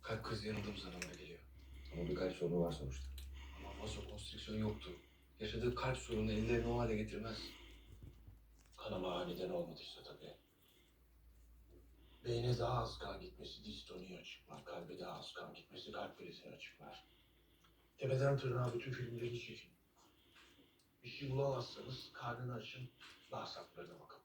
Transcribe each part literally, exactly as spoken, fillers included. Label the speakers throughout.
Speaker 1: Kalp krizi yanıldığımız anlamına geliyor.
Speaker 2: Ama bir kalp sorunu var sonuçta.
Speaker 1: Ama vazokonstrüksiyon yoktu. Yaşadığı kalp sorunu ellerini o hale getirmez.
Speaker 3: Kanama aniden olmadıysa tabii. Beyne daha az kan gitmesi distoniyi açıklar. Kalbe daha az kan gitmesi kalp krizini açıklar. Tepeden tırnağa bütün filmleri çekin. Bir şey bulamazsanız karnını açın, bağırsaklarına bakın.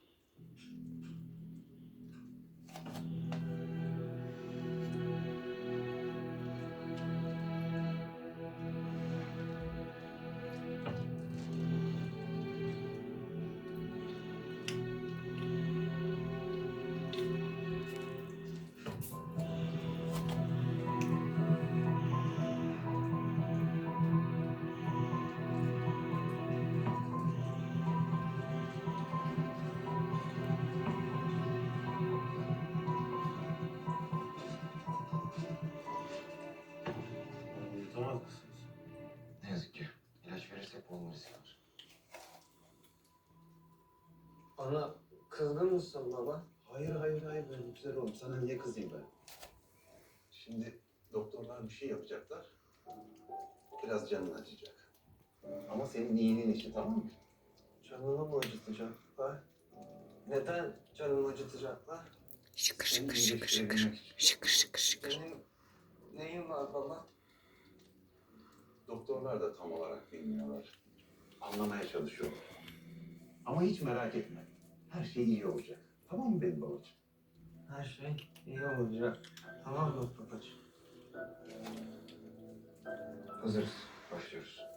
Speaker 2: Yutamaz mısınız? Ne yazık ki. İlaç verirsek boğulma riski var.
Speaker 4: Bana kızgın mısın baba?
Speaker 2: Hayır hayır hayır ben güzel oğlum. Sana niye kızayım ben? Şimdi doktorlar bir şey yapacaklar. Biraz canın acıyacak. Ama senin iyiliğin için, tamam mı?
Speaker 4: Canını mı acıtacaklar? Neden canımı acıtacaklar?
Speaker 5: Şıkır
Speaker 2: Seni
Speaker 5: şıkır şıkır şıkır.
Speaker 2: iyileştirebilmek için.
Speaker 5: Şıkır şıkır şıkır.
Speaker 4: Benim neyim var baba?
Speaker 2: Doktorlar da tam olarak bilmiyorlar. Anlamaya çalışıyorlar. Ama hiç merak etme. Her şey iyi olacak. Tamam mı benim babacığım?
Speaker 4: Her şey iyi olacak. Tamam mı babacığım?
Speaker 2: Hazırız. Başlıyoruz.